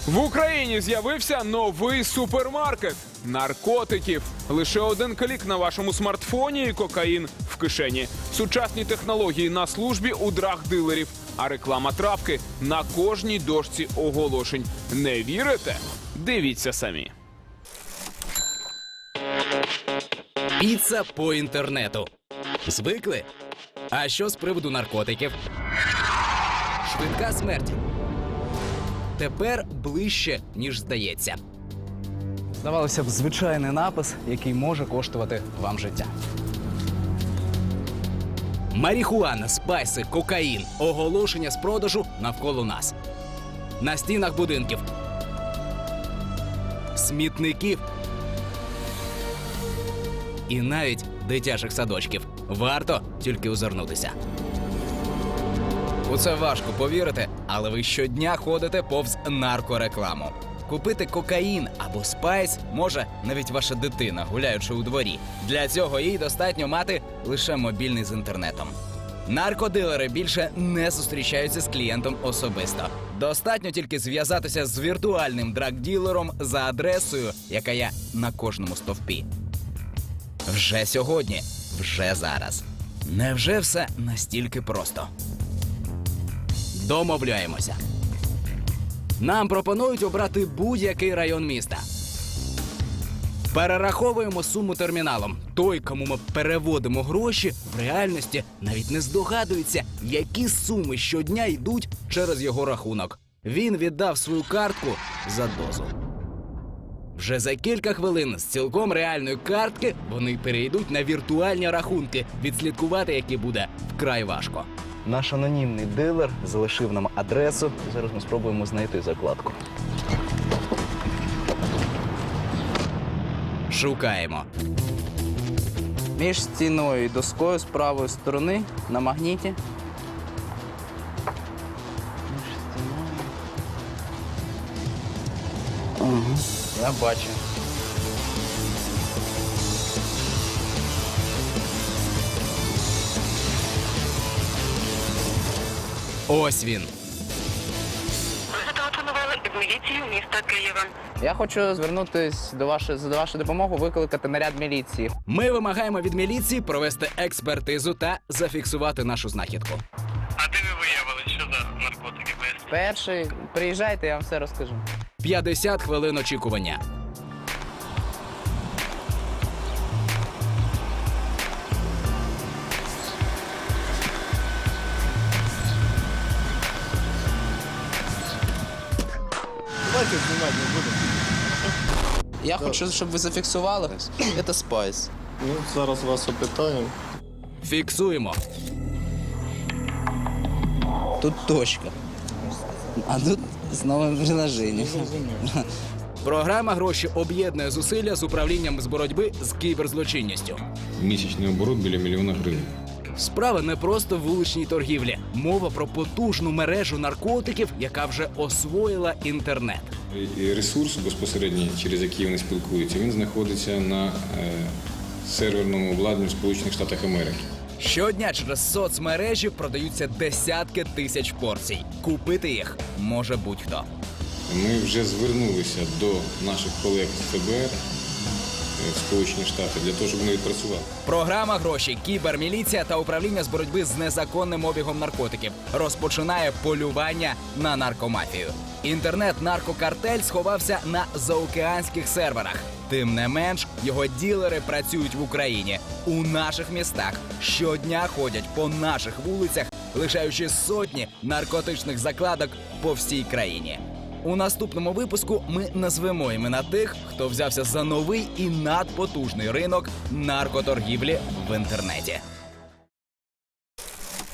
В Україні з'явився новий супермаркет наркотиків. Лише один клік на вашому смартфоні і кокаїн в кишені. Сучасні технології на службі у драг-дилерів, а реклама травки на кожній дошці оголошень. Не вірите? Дивіться самі. Піца по інтернету. Звикли? А що з приводу наркотиків? Швидка смерть. Тепер ближче, ніж здається. Здавалося б, звичайний напис, який може коштувати вам життя. Марихуана, спайси, кокаїн. Оголошення з продажу навколо нас. На стінах будинків. Смітників. І навіть дитячих садочків. Варто тільки озирнутися. У це важко повірити, але ви щодня ходите повз наркорекламу. Купити кокаїн або спайс може навіть ваша дитина, гуляючи у дворі. Для цього їй достатньо мати лише мобільний з інтернетом. Наркодилери більше не зустрічаються з клієнтом особисто. Достатньо тільки зв'язатися з віртуальним драг-ділером за адресою, яка є на кожному стовпі. Вже сьогодні, вже зараз. Невже все настільки просто? Домовляємося. Нам пропонують обрати будь-який район міста. Перераховуємо суму терміналом. Той, кому ми переводимо гроші, в реальності навіть не здогадується, які суми щодня йдуть через його рахунок. Він віддав свою картку за дозу. Вже за кілька хвилин з цілком реальної картки вони перейдуть на віртуальні рахунки, відслідкувати які буде вкрай важко. Наш анонімний дилер залишив нам адресу. Зараз ми спробуємо знайти закладку. Шукаємо. Між стіною і доскою з правої сторони на магніті. Я бачу. Ось він. Ви зателефонували від міліції міста Києва. Я хочу звернутися за вашою допомогою, викликати наряд міліції. Ми вимагаємо від міліції провести експертизу та зафіксувати нашу знахідку. А де ви виявили, що за наркотики? Поясніть. Перший, приїжджайте, я вам все розкажу. 50 хвилин очікування. Давайте знімати не будемо. Я хочу, щоб ви зафіксували. Це спайс. Ну, зараз вас опитаємо. Фіксуємо. Тут точка. А тут знову приложення. Програма «Гроші» об'єднує зусилля з управлінням з боротьби з кіберзлочинністю. Місячний оборот біля мільйона гривень. Справа не просто в вуличній торгівлі. Мова про потужну мережу наркотиків, яка вже освоїла інтернет. І ресурс безпосередньо, через який вони спілкуються, він знаходиться на серверному обладнанні в Сполучених Штатах Америки. Щодня через соцмережі продаються десятки тисяч порцій. Купити їх може будь-хто. Ми вже звернулися до наших колег з ФБР в Сполучені Штати для того, щоб вони відпрацювали. Програма «Гроші», кіберміліція та управління з боротьби з незаконним обігом наркотиків розпочинає полювання на наркомафію. Інтернет-наркокартель сховався на заокеанських серверах. Тим не менш, його ділери працюють в Україні, у наших містах. Щодня ходять по наших вулицях, лишаючи сотні наркотичних закладок по всій країні. У наступному випуску ми назвемо імена тих, хто взявся за новий і надпотужний ринок наркоторгівлі в інтернеті.